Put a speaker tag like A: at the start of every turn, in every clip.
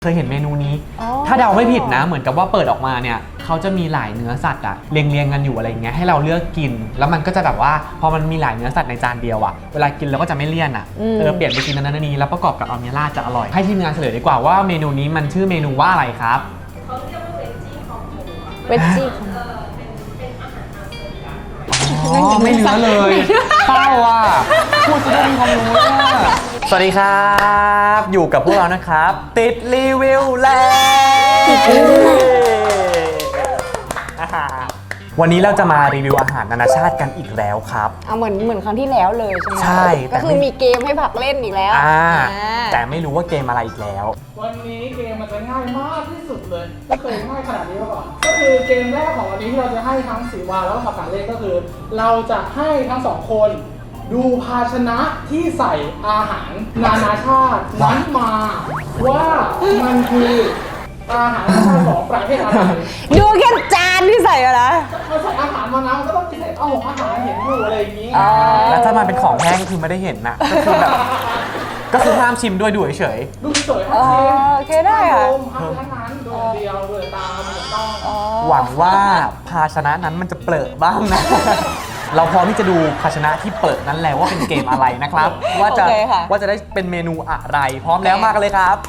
A: เคยเห็นเมนูนี้ถ้าเดาไม่ผิดนะเหมือนกับว่าเปิดออกมาเนี่ยเขาจะมีหลายเนื้อสัตว์อะเรียงกันอยู่อะไรเงี้ยให้เราเลือกกินแล้วมันก็จะแบบว่าพอมันมีหลายเนื้อสัตว์ในจานเดียวอะเวลากินเราก็จะไม่เลี่ยนอะเปลี่ยนไปกินนั้นนี้แล้วประกอบกับอัลเมล่าจะอร่อยให้ทีมงานเฉลยดีกว่าว่าเมนูนี้มันชื่อเมนูว่าอะไรครับ
B: เขาเรียกว่าเวจจี้คอมโบอะ
C: เวจจี้
B: เป็นอาหารทางเสริม
A: อ๋อไม่เนื้อเลยเป้าอ่ะพูดจะได้มีความรู้อ่ะสวัสดีครับอยู่กับพวกเรานะครับติดรีวิวแล้ววันนี้เราจะมารีวิวอาหารนานาชาติกันอีกแล้วครับ
C: เหมือนครั้งที่แล้วเลยใช่ไหม
A: ใช่
C: ก็คือมีเกมให้ผักเล่นอีกแล้ว
A: แต่ไม่รู้ว่าเกมอะไรอีกแล้ว
D: วันนี้เกมมันจะง่ายมากที่สุดเลยไม่เคยง่ายขนาดนี้มาก่อนก็คือเกมแรกของวันนี้ที่เราจะให้ทั้งสีวาแล้วก็ผักกาดเล่นก็คือ เราจะให้ทั้งสองคนดูภาชนะที่ใส่อาหารนานาชาตินั้นมาว่ามันคืออาหารนานาชาติของประเทศอะไร
C: ดูแค่จานที่ใส่อะนะ
D: มันใส่อาหารมานะมันก็ต้องใส่อาหารเห็นอยู่อะไรอย่างนี้
A: แล้วถ้ามันเป็นของแห้งคือไม่ได้เห็นนะก็คือแบบก็คือห้ามชิมด้วยดูเฉย
D: ดูเฉยห้ามชิม
C: โอเคได้ค่ะ
D: ห้ามทั้งนั้นโดยเดียวโดยตามถูกต้อง
A: หวังว่าภาชนะนั้นมันจะเปรอะบ้างนะเราพร้อมที่จะดูภาชนะที่เปิดนั้นแล้วว่าเป็นเกมอะไรนะครับว่าจะได้เป็นเมนูอะไรพร้อมแล้วมากันเลยครับ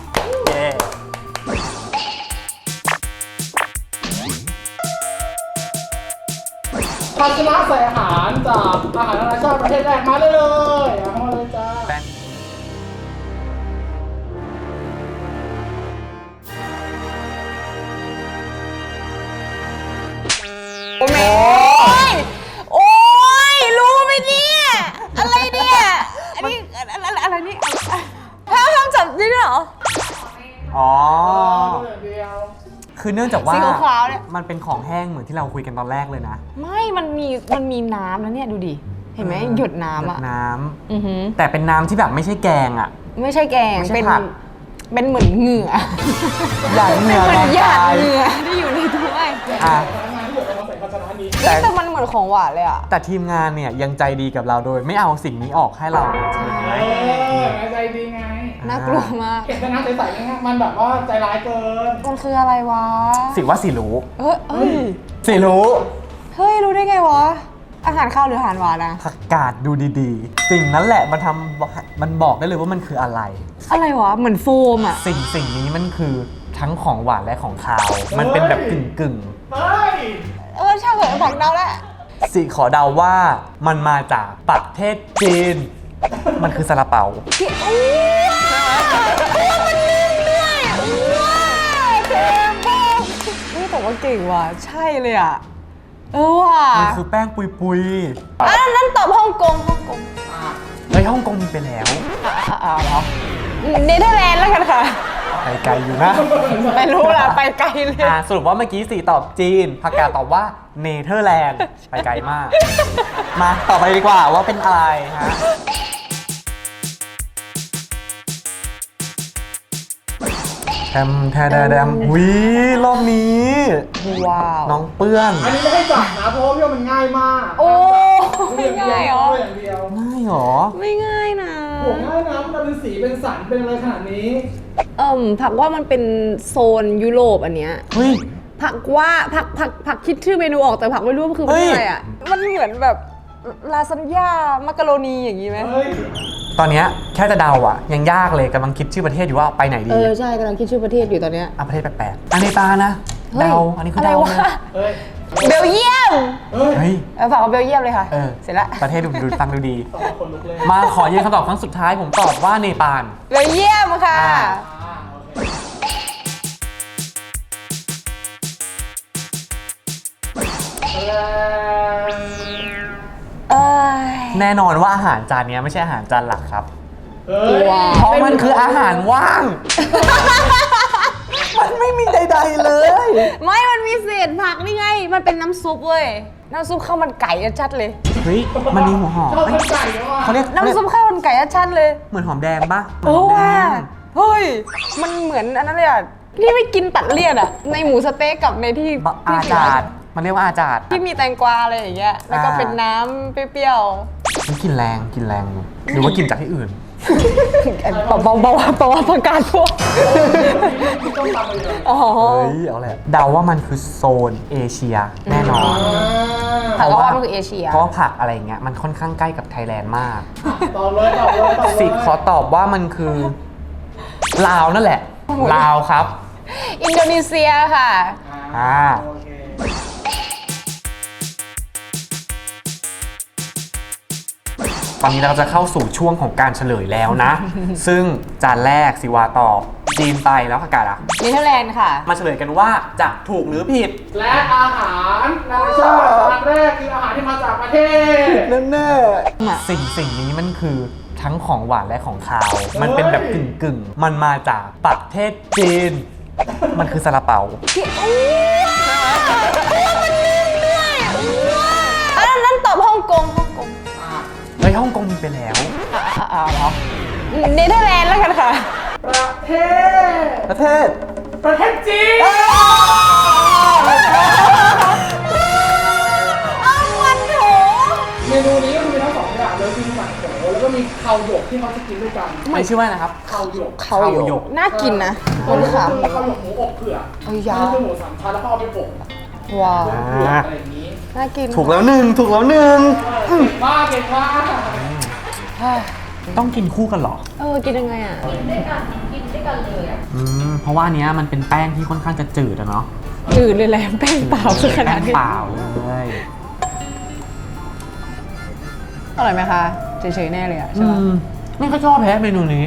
D: ภาชนะใส่อาหารจากอาหารนานาชาติประเทศแรกมาเลยเอามาเลยจ้า
C: โอ้ยรู้ไหมเนี่ยอะไรเนี่ยอันนี้อะไรนี่ห้ามจับนี่ด้วยเหรอ
A: อ๋อคือเนื่องจากว่ามันเป็นของแห้งเหมือนที่เราคุยกันตอนแรกเลยนะ
C: ไม่มันมีน้ำนะเนี่ยดูดิเห็นไหมหยดน้ำอะ
A: น้ำแต่เป็นน้ำที่แบบไม่ใช่แกงอะ
C: ไม่ใช่แกงเป็นเหมือนเหงื่อ
A: หยาดเหงื่อ
C: เหมือนหยาดเหงื่อที่อยู่ในถ้วยแต่มันเหมือนของหวานเลยอะ
A: แต่ทีมงานเนี่ยยังใจดีกับเราโดยไม่เอาสิ่งนี้ออกให้เรา
D: ใจดีไง
C: น่ากลัวมาก
D: เห็นแต่น้ำใสๆนี่มันแบบว่าใจร้ายเกิน
C: มันคืออะไรวะ
A: สิว่าสิรู้สิรู้
C: เฮ้ยรู้ได้ไงวะอาหารข้าวหรืออาหารหวานนะ
A: ผักกาดดูดีๆสิ่งนั้นแหละมันบอกได้เลยว่ามันคืออะไร
C: วะเหมือนโฟมอะ
A: สิ่งนี้มันคือทั้งของหวานและของคาวมันเป็นแบบกึ่ง
C: ช่างเหอะผักเดาแล้ว
A: สิขอเดาว่ามันมาจากประเทศจีนมันคือซาลาเปา
C: มันนิ่มด้วยเก่งมากนี่แต่ว่าเก่งว่ะใช่เลยอ่ะว่ะ
A: มันคือแป้งปุย
C: นั่นตอบฮ่องกง
A: ฮ่องกงมีไปแล้ว
C: เหรอเนเธอร์แลนด์แล้วกันค่ะ
A: ไปไกลอยู่นะ
C: ไม่รู้ล่ะไปไกลเลย
A: สรุปว่าเมื่อกี้สีตอบจีนผักกาดตอบว่าเนเธอร์แลนด์ไปไกลมากมาต่อไปดีกว่าว่าเป็นอะไรฮะแทมวิรอบนี้
C: ว้าว
A: น้องเปื้อน
D: อันนี้ไม่ให้จับนะเพราะว่ามันง่ายมาก
C: โอ้ไม่ง่ายหรอ
A: ง่ายหรอ
C: ไม่ง่ายนะ
D: โหง่ายนะมันเป็นสีเป็นสันเป็นอะไรขนาดนี้
C: ผักว่ามันเป็นโซนยุโรปอันเนี้ย
A: เฮ้ย
C: ผักว่าผักคิดชื่อเมนูออกแต่ผักไม่รู้มันคืออะไรอ่ะมันเหมือนแบบลาซานญ่ามักกะโรนีอย่างนี้ไหม
A: ตอนนี้แค่จะเดาอ่ะยังยากเลยกำลังคิดชื่อประเทศอยู่ว่าไปไหนดี
C: ใช่กำลังคิดชื่อประเทศอยู่ตอนเนี้ย
A: ประเทศแปลกๆอันนี้ตานะเดาอันนี้คือเดา
C: เบลเยียม
A: เฮ้ย
C: ฝากเอาเบลเยียมเลยค่ะเสร็จละ
A: ประเทศดูฟังดูดีมาขอยืนคำตอบครั้งสุดท้ายผมตอบว่าเนปาล
C: เบลเยียมค่ะ
A: แน่นอนว่าอาหารจานนี้ไม่ใช่อาหารจานหลักครับเพราะมันคืออาหารว่างมันไม่มีใดๆเลย
C: ไม่มันมีเศษผักนี่ไงมันเป็นน้ำซุปเว้ยน้ำซุปข้าวมันไก่ชัดเลย
A: เฮ้ยมันมีหัวหอม
D: เขา
A: เรียก
C: น้ำซุปข้าวมันไก่ชัดเลย
A: เหมือนหอมแดงปะ
C: เฮ้ยมันเหมือนอันนั้นเลยอ่ะนี่ไม่กินตัดเลี่ยนอ่ะในหมูสเต๊กกับในที่
A: อาจารย์มันเรียกว่าอาจารย์
C: ที่มีแตงกวาอะไรอย่างเงี้ยแล้วก็เป็นน้ำเปรี้ยว
A: มันกินแรงหรือว่ากินจากที่อื่น
C: บอกว่าประกาศพวก
D: ที่ต้องทำไปเลย
C: อ๋อ
A: เฮ้ยเอาแหละเดาว่ามันคือโซนเอเชียแน่นอน
C: ผักก็ว่ามันคือเอเชีย
A: เพราะว่าผักอะไรเงี้ยมันค่อนข้างใกล้กับไทยแลนด์มาก
D: ตอบเลยตอบเลยตอบเลย
A: สิขอตอบว่ามันคือลาวนั่นแหละลาวครับ
C: อินโดนีเซียค่ะ
A: อ่า
D: โอเค
A: ตอนนี้เราจะเข้าสู่ช่วงของการเฉลยแล้วนะ ซึ่งจานแรกสิวาตอบจีนไปแล้วอากาศอ่ะ
C: เนเธอร์แลนด์ค่ะ
A: มาเฉลยกันว่าจะถูกหรือผิด
D: และอาหารนานาชาติจานแรกคืออาหารที่มาจากประเทศ
A: แน่ๆสิ่งนี้มันคือทั้งของหวานและของคาว มันเป็นแบบกึ่งมันมาจากประเทศจีน มันคือซาลาเปา
C: ที่มันลืมด้วยอันนั้นตอบฮ่องกง
A: เฮ้ยฮ่องกงมีไปแล้ว
C: เหรอเนเธอร์แลนด์แล้วกันค่ะ
D: ประเทศ
A: ประเทศ
D: ประเทศจีน
C: มันโถ
D: เมนูนี้ก็มีทั้งสองอย่างเลยคือหมันโถแล้วก็มีข้าวหยกที่เขาจะกินด้วยกัน
A: ไม่ชื่อว่านะครับ
D: ข้าวหยก
C: เขาหยกน่ากินนะมันขำ
D: ข้าวหยกหมูอบเผือก
C: เอ้ยยา
D: นี่คือหมูสามชั้นแล้วก็เอาไปอบ
C: ว้าว
D: เผือกอะไรอย่างนี้
C: น่ากิน
A: ถูกแล้วหนึ่ง
D: เก่งมากเก่งมาก
A: ต้องกินคู่กันเหรอ
C: กินยังไงอ่ะ
B: กินด้วยกันกินด้วยกันเลยอ่ะ
A: เพราะว่าอันเนี้ยมันเป็นแป้งที่ค่อนข้างจะจืดอะเนาะ
C: จืดเลยแหละแป้งเปล่าคือขนาด
A: แป้ง
C: นี้
A: เปล่าเลย
C: อร่อยไหมคะเฉยๆแน่เลยอ่ะใช่ปะ
A: ไม่ค่อยชอบแพ้เมนูนี้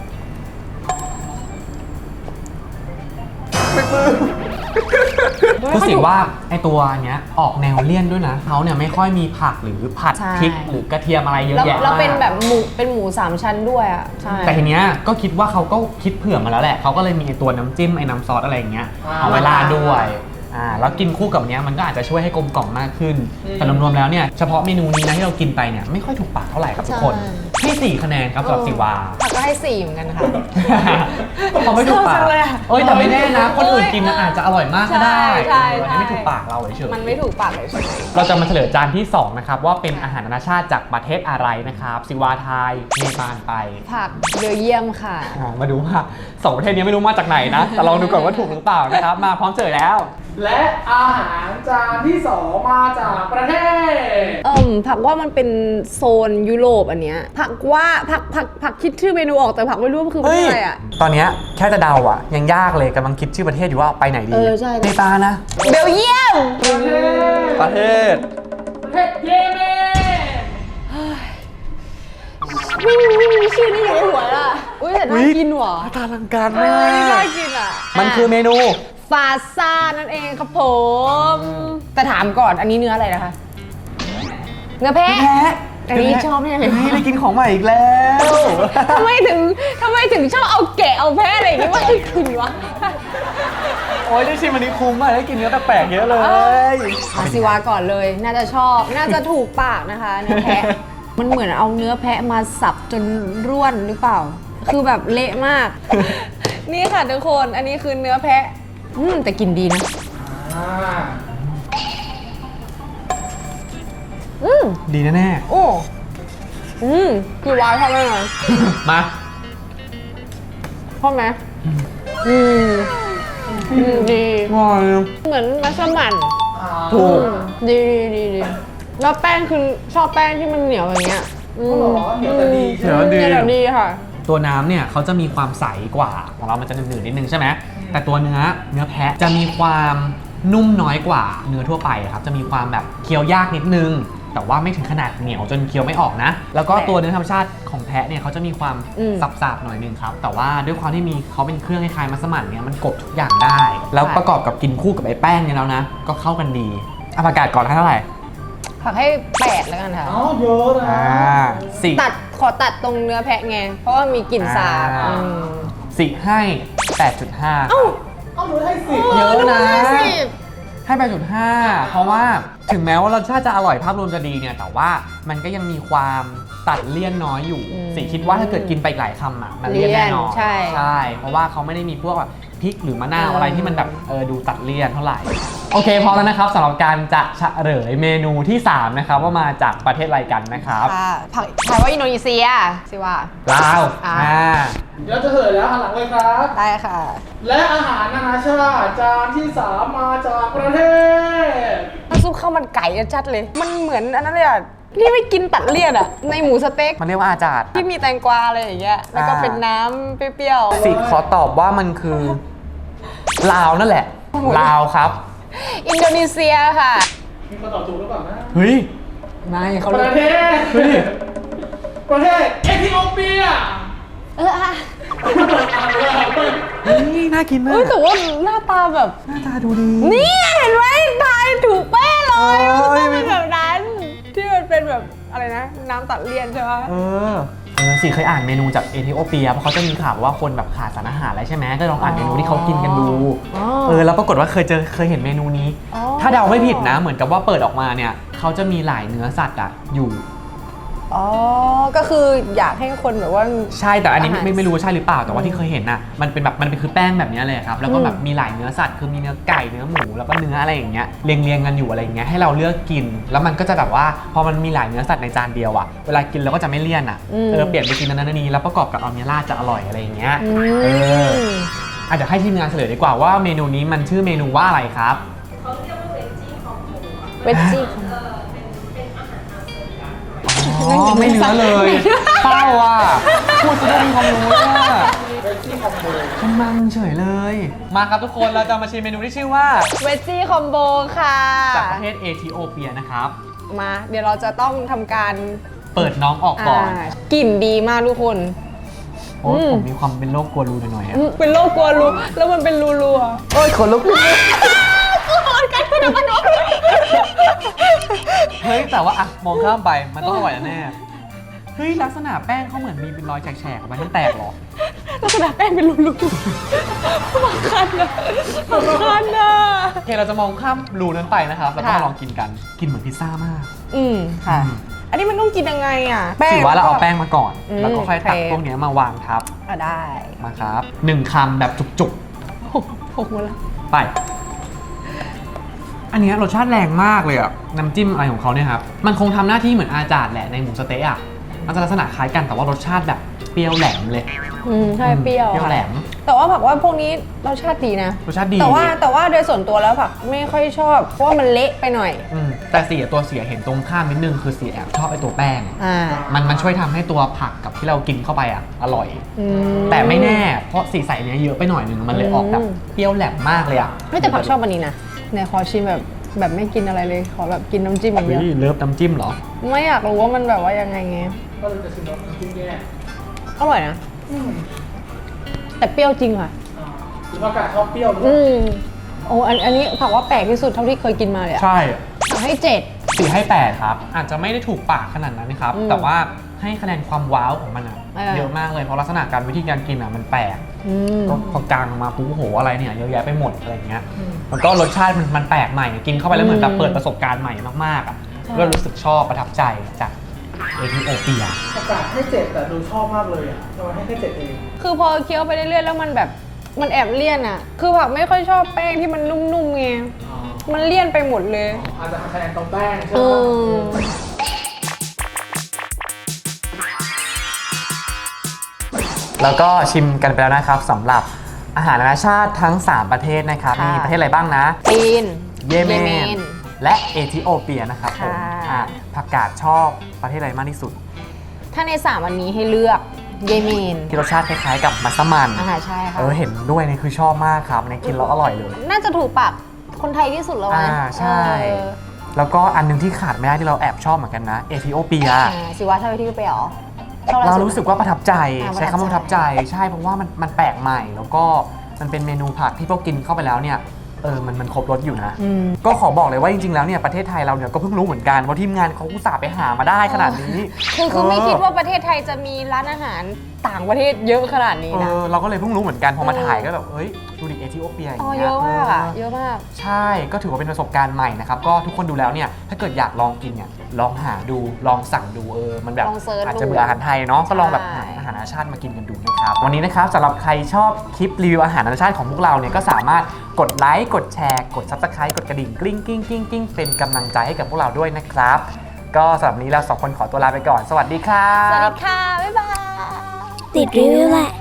A: คือสิว่าไอตัวเนี้ยออกแนวเลี่ยนด้วยนะเขาเนี่ยไม่ค่อยมีผักหรือผัดพริกหรือกระเทียมอะไรเยอะแยะมาก
C: แล้วเป็นแบบหมูสามชั้นด้วยอ่ะใช่
A: แต่ทีเนี้ยก็คิดว่าเขาก็คิดเผื่อมาแล้วแหละเขาก็เลยมีไอตัวน้ำจิ้มไอ้น้ำซอสอะไรอย่างเงี้ยเอาไว้ราดด้วยแล้วกินคู่กับเนี้ยมันก็อาจจะช่วยให้กลมกล่อมมากขึ้น แต่รวมๆแล้วเนี่ยเฉพาะเมนูนี้นะที่เรากินไปเนี่ยไม่ค่อยถูกปากเท่าไหร่ครับทุกคนให้4 คะแนนครับสำหรับสิวา
C: ผักก็ให้4เหมือนกันค่ะ
A: เขาไม่ถูกปาก
C: ชอบจังเลยอะ
A: เอ้ยแต่ไม่แน่นะ คนอื่นกินนะอาจจะอร่อยมากก็ได้
C: ใช่
A: อันนี้ไม่ถูกปากเราเฉยๆ
C: มันไม่ถูกปากเลยใช่ไหม
A: เราจะมาเฉลยจานที่ 2 นะครับ ว่าเป็นอาหารนานาชาติจากประเทศอะไรนะครับสิวาไทยเนปาลไป
C: ผักเบลเยียมค่ะ
A: มาดูว่า 2 ประเทศนี้ไม่รู้มาจากไหนนะ แต่ลองดูก่อนว่าถูกหรือเปล่านะครับ มาพร้อมเฉลยแล้ว
D: และอาหารจานที่สองมาจากประเทศ
C: ผักว่ามันเป็นโซนยุโรปอันเนี้ยผักคิดชื่อเมนูออกแต่ผักไม่รู้ว่าคืออะไรอ่ะ
A: ตอนเนี้ยแค่จะเดาอ่ะ ยังยากเลยกำลังคิดชื่อประเทศอยู่ว่าไปไหนดี
C: ใช่
A: เนปาลนะ
C: เบลเยียม
A: ประเทศ
D: ประเทศเยเมน
C: ไม่มีชื่อนี้อยู่ในหัวอ่ะอุ้ยแต่น่ากินว่ะ
A: ตาลังการ
C: เอ
A: มา
C: อนี่น่าก กินอ่ะ
A: มันคือเมนู
C: ฟาซ่านั่นเองครับผม แต่ถามก่อนอันนี้เนื้ออะไรนะคะ เนื้อแพะ อันนี้ชอบเนี่ย
A: เฮ้ยได้กินของใหม่อีกแล้ว
C: ทำไมถึงชอบเอาแกะเอาแพะอะไรอย่างงี้มาให้กินวะ
A: โอ้ยได้ชิมอันนี้คุ้มมากได้กินเนื้อแปลกๆเยอะเลย
C: อาซิวาก่อนเลย น่าจะชอบน่าจะถูกปากนะคะเนื้อแพะ มันเหมือนเอาเนื้อแพะมาสับจนร่วนหรือเปล่า คือแบบเละมาก นี่ค่ะทุกคนอันนี้คือเนื้อแพะแต่กินดีนะ
A: ดีแน่
C: โอ้คือวายชอบไหมหน่อย
A: ๆมา
C: ชอบไหมดี
A: ง่อย
C: เหมือนมัสมั่น
A: ถูก
C: ดีแล้วแป้งคือชอบแป้งที่มันเหนียวอย่างเงี้ย
D: เหนียวแต่ดี
A: เดี๋ยวดี
C: เหนียวดีค่ะ
A: ตัวน้ำเนี่ยเขาจะมีความใสกว่าของเรามันจะหนืดๆนิดนึงใช่ไหมแต่ตัวเนื้อแพะจะมีความนุ่มน้อยกว่าเนื้อทั่วไปครับจะมีความแบบเคี้ยวยากนิดนึง แต่ว่าไม่ถึงขนาดเหนียวจนเคี้ยวไม่ออกนะ แล้วก็ตัวเนื้อธรรมชาติของแพะเนี่ยเขาจะมีความสับๆหน่อยนึงครับแต่ว่าด้วยความที่มีเขาเป็นเครื่องคล้ายๆมัสมั่นเนี่ยมันกลบทุกอย่างได้ แล้วประกอบกับกินคู่กับไอ้แป้งเนี่ยแล้วนะก็เข้ากันดีเอาประกาศก่อนให้เท่าไหร่
C: ผักให้8แล้วกันค่ะ
D: อ๋อเยอะนะ
A: สี่
C: ขอตัดตรงเนื้อแพะไง เพราะว่ามีกลิ่นสาบ
A: สี่ให้ 8.5
C: เอ้า
D: เอาหนูให้สิบ
A: เยอะนะ
C: ดูสิ
A: ให้ 8.5 เพราะว่าถึงแม้ว่ารสชาติจะอร่อยภาพรวมจะดีเนี่ยแต่ว่ามันก็ยังมีความตัดเลี่ยนน้อยอยู่สิคิดว่าถ้าเกิดกินไปอีกหลายคำอ่ะมันเลี่ยนแน่นอน
C: ใช่
A: เพราะว่าเขาไม่ได้มีพวกแบบพริกหรือมะนาวอะไรที่มันแบบดูตัดเลี่ยนเท่าไหร่โอเคพร้อมแล้วนะครับสำหรับการจะเฉลยเมนูที่ 3 นะครับว่ามาจากประเทศอะไรกันนะครับ
C: ค่ะผักทายว่าอินโดนีเซียสิว่า
A: ลาว
D: เดี๋ยวจะเฉลยแล้วหันหลังเลยครับ
C: ได้ค่ะ
D: และอาหารนานาชาติจานที่ 3 มาจากประเทศ
C: ซุปข้าวมันไก่ชัดเลย มันเหมือนอันนั้นเลยอ่ะนี่ไม่กินตัดเลี่ยนอ่ะ ในหมูสเต็ก
A: มันเรียกว่าอาจารย์
C: ที่มีแตงกวาอะไรอย่างเงี้ย แล้วก็เป็นน้ำเปรี้ยวๆ
A: สิขอตอบว่ามันคือลาวนั่นแหละลาวครับ
C: อินโดนีเซียค่ะ
D: มีคนตอบถูกหรือเปล่านะ
A: เฮ้ย
C: ไม่เขา
D: ป
C: เลื
D: ระ
C: อก
D: เทศ
A: เฮ้ย
D: ประเทศเอธิโอเปีย
C: อ่ะ
A: เฮ้ยน่ากินมา
C: เฮ้ย
A: ก
C: แต่ว่าหน้าตาแบบ
A: หน้าตาดูดี
C: นี่เห็นไหมทายถูกเป๊ะเลย
A: เออ
C: มันต้องเป็นแบบนั้น ที่มันเป็นแบบอะไรนะ น้ำตัดเลี่ยนใช่ไหม
A: สิเคยอ่านเมนูจากเอธิโอเปียเพราะเขาจะมีข่าวว่าคนแบบขาดสารอาหารอะไรใช่ไหมก็ลองอ่านเมนูที่เขากินกันดู แล้วปรากฏว่าเคยเห็นเมนูนี้ ถ้าเดาไม่ผิดนะเหมือนกับว่าเปิดออกมาเนี่ยเขาจะมีหลายเนื้อสัตว์อะอยู่
C: อ๋อ ก็คืออยากให้คนแบบว่า
A: ใช่แต่อันนี้
C: อาหาร
A: ไม่รู้ว่าใช่หรือเปล่าแต่ว่าที่เคยเห็นน่ะมันเป็นแบบมันเป็นคือแป้งแบบนี้เลยครับแล้วก็แบบมีหลายเนื้อสัตว์คือมีเนื้อไก่เนื้อหมูแล้วก็เนื้ออะไรอย่างเงี้ยเรียงกันอยู่อะไรอย่างเงี้ยให้เราเลือกกิน แล้วมันก็จะแบบว่าพอมันมีหลายเนื้อสัตว์ในจานเดียวอะเวลากินเราก็จะไม่เลี่ยนอะเปลี่ยนไปกินนั้นนี้แล้วประกอบกับอัลเมล่าจะอร่อยอะไรอย่างเงี้ยอาจจะให้ทีมงานเฉลยดีกว่าว่าเมนูนี้มันชื่อเมนูว่าอะไรครับ
B: เขาเรียกว่าเวจจี้คอมโบอะ
C: เวจจี้
B: เป็นอาหารอาเซียน
A: อ๋อไม่เนื้อเลยเศร้าอ่ะพูดจะได้มีความรู้อ่ะ
D: เวจจี้คอมโบ
A: เป็นมังเฉยเลย มาครับทุกคนเราจะมาชิมเมนูที่ชื่อว่า
C: เวจจี้คอมโบค่ะ
A: จากประเทศเอธิโอเปียนะครับ
C: มา เดี๋ยวเราจะต้องทำการ
A: เปิดน้องออกก่อน
C: กลิ่นดีมากทุกคน
A: โอ้ผมมีความเป็นโรคกลัวรูหน่อยๆอะ
C: เป็นโรคกลัวรูแล้วมันเป็นรูๆอะ
A: โอ้ยขนลุกเฮ้ยแต่ว่าอะมองข้ามไปมันต้องอร่อยแน่ๆเฮ้ยลักษณะแป้งเขาเหมือนมีเป็นรอยแฉกๆออกมาที่แตกเหรอ
C: ลักษณะแป้งเป็นรูๆมาคันนะมาคันนะ
A: โอเคเราจะมองข้ามรูนั้นไปนะครับแล้วก็
C: ค่ะ
A: มาลองกินกันกินเหมือนพิซซ่ามาก
C: ค่ะ
A: อืม
C: อันนี้มันต้องกินยังไงอ่ะแป้ง
A: ถือว่าเราเอาแป้งมาก่อน
C: อืม
A: แล้วก็ค่อยตัก
C: โอเค
A: พวกเนี้ยมาวางทับ
C: ได้
A: มาครับ1 คำแบบจุก
C: หกหมดแล้ว
A: ๆ ไป อันเนี้ยรสชาติแรงมากเลยอะน้ำจิ้มอะไรของเขาเนี่ยครับ มันคงทำหน้าที่เหมือนอาจารย์แหละในหมูสะเต๊ะอะมันจะลักษณะคล้ายกันแต่ว่ารสชาติแบบเปรี้ยวแหลมเลย
C: ใช่เปรี้ยว
A: เปรี้ยวแหลม
C: แต่ว่าผักว่าพวกนี้รสชาติดีนะ
A: รสชาติดี
C: แต่ว่าโดยส่วนตัวแล้วผักไม่ค่อยชอบ เพราะว่ามันเละไปหน่อย
A: แต่ตัวเสียเห็นตรงข้ามนิดนึงคือเสียแอบชอบไอตัวแป้ง มันช่วยทำให้ตัวผักกับที่เรากินเข้าไปอะอร่อย แต่ไม่แน่เพราะสีใสเนี้ยเยอะไปหน่อยนึงมันเลยออกแบบเปรี้ยวแหลมมากเลยอะ
C: ไม่แต่ผักชอบอันนี้นะไหนขอชิมแบบไม่กินอะไรเลย ขอแบบกินน้ำจิ้มอย่างเดียว
A: เฮ้ยเลิฟน้ำจิ้มเหรอ
C: ไม่อยากรู้ว่ามันแบบว่ายังไงไง
D: ก็เลยจะชิมรสน้ำจิ้มแยก
C: อร่อยนะ แต่เปรี้ยวจริงค่ะ
D: หรือว่ากาศชอบเปรี้ยวด้วย
C: โอ้อันนี้ผักว่าแปลกที่สุดเท่าที่เคยกินมาเลยอะ
A: ใช่
C: ผักให้7
A: 4 ให้ 8 ครับ อาจจะไม่ได้ถูกปากขนาดนั้นนะครับ แต่ว่าให้คะแนนความว้าวของมันอะเยอะมากเลยเพราะลักษณะการวิธีการกินอะมันแปลกก็พอกลางมาปุ๊บโอ้โหอะไรเนี่ยเยอะแยะไปหมดอะไรอย่างเงี้ยแล้วก็รสชาติมันแปลกใหม่กินเข้าไปแล้วเหมือนแบบเปิดประสบการณ์ใหม่มากๆอ่ะก็รู้สึกชอบประทับใจจากเอธิโอเปีย
D: ประกาศให้7แต่ดูชอบมากเลยอ่ะทำไมให้แค่7เอง
C: คือพอเคี้ยวไปเรื่อยๆแล้วมันแบบมันแอบเลี่ยนอะคือผักไม่ค่อยชอบแป้งที่มันนุ่มๆไง มันเลี่ยนไปหมดเลย
D: อาจจะคะแนนตรงแป้งใช่
C: เอ
D: ไหม
A: แล้วก็ชิมกันไปแล้วนะครับสำหรับอาหารนานาชาติทั้ง 3 ประเทศนะครับ
C: ค่ะ
A: มีประเทศอะไรบ้างนะ
C: จีน
A: เยเมนและเอธิโอเปียนะครับผม
C: ค่ะ
A: ผักกาดชอบประเทศอะไรมากที่สุด
C: ถ้าใน3วันนี้ให้เลือกเยเมน
A: ที่รสชาติคล้ายๆกับมัสมั่น
C: ใช่ค่ะ
A: เห็นด้วยนี่คือชอบมากครับในกินแล้วอร่อยเลย
C: น่าจะถูกปากคนไทยที่สุดแล้วนะ
A: ใช่ แล้วก็อันหนึงที่ขาดไม่ได้ที่เราแอบชอบเหมือนกันนะเอธิโอเปีย
C: สิว่าชอบที่ไปหรอชอบอะไ
A: เรารู้สึกว่าประทับใจ
C: อ่า
A: ใช้คำว่าประทับใจใช่เพราะว่ามันแปลกใหม่ แล้วก็มันเป็นเมนูผักที่พวกกินเข้าไปแล้วเนี่ยมันครบรสอยู่นะ ก็ขอบอกเลยว่าจริงๆแล้วเนี่ยประเทศไทยเราเนี่ยก็เพิ่งรู้เหมือนกันเพราะทีมงานเขาอุตส่าห์ไปหามาได้ขนาดนี้
C: คือไม่คิดว่าประเทศไทยจะมีร้านอาหารต่างประเทศเยอะขนาดนี้นะ
A: เราก็เลยเพิ่งรู้เหมือนกันพอมา
C: เออ
A: ถ่ายก็แบบเฮ้ยดูดิเอธิโอเปียอย่าง
C: อ๋อ
A: เงี้ย
C: เยอะมากอ่ะเยอะมาก
A: ใช่ก็ถือว่าเป็นประสบการณ์ใหม่นะครับก็ทุกคนดูแล้วเนี่ยถ้าเกิดอยากลองกินเนี่ยลองหาดูลองสั่งดูมันแบบ
C: ลองเสิร์ช
A: อาจจะ
C: ดู
A: เบื่ออาหารไทยเนาะก็ลองแบบ
C: ใช่
A: หาอาหารนานาชาติมากินกันดูนะครับวันนี้นะครับสำหรับใครชอบคลิปรีวิวอาหารนานาชาติของพวกเราเนี่ยก็สามารถกดไลค์กดแชร์กด Subscribe กดกระดิ่งกริ๊งกริ๊งกริ๊งกริ๊งเป็นกำลังใจให้กับพวกเราด้วยนะครับก็สำหรับวันนี้เราสองคนขอตัวลาไปก่อนสวัสดีครับ
C: สวัสดีค่ะ บ๊ายบาย
E: ติดรีวิวแหละ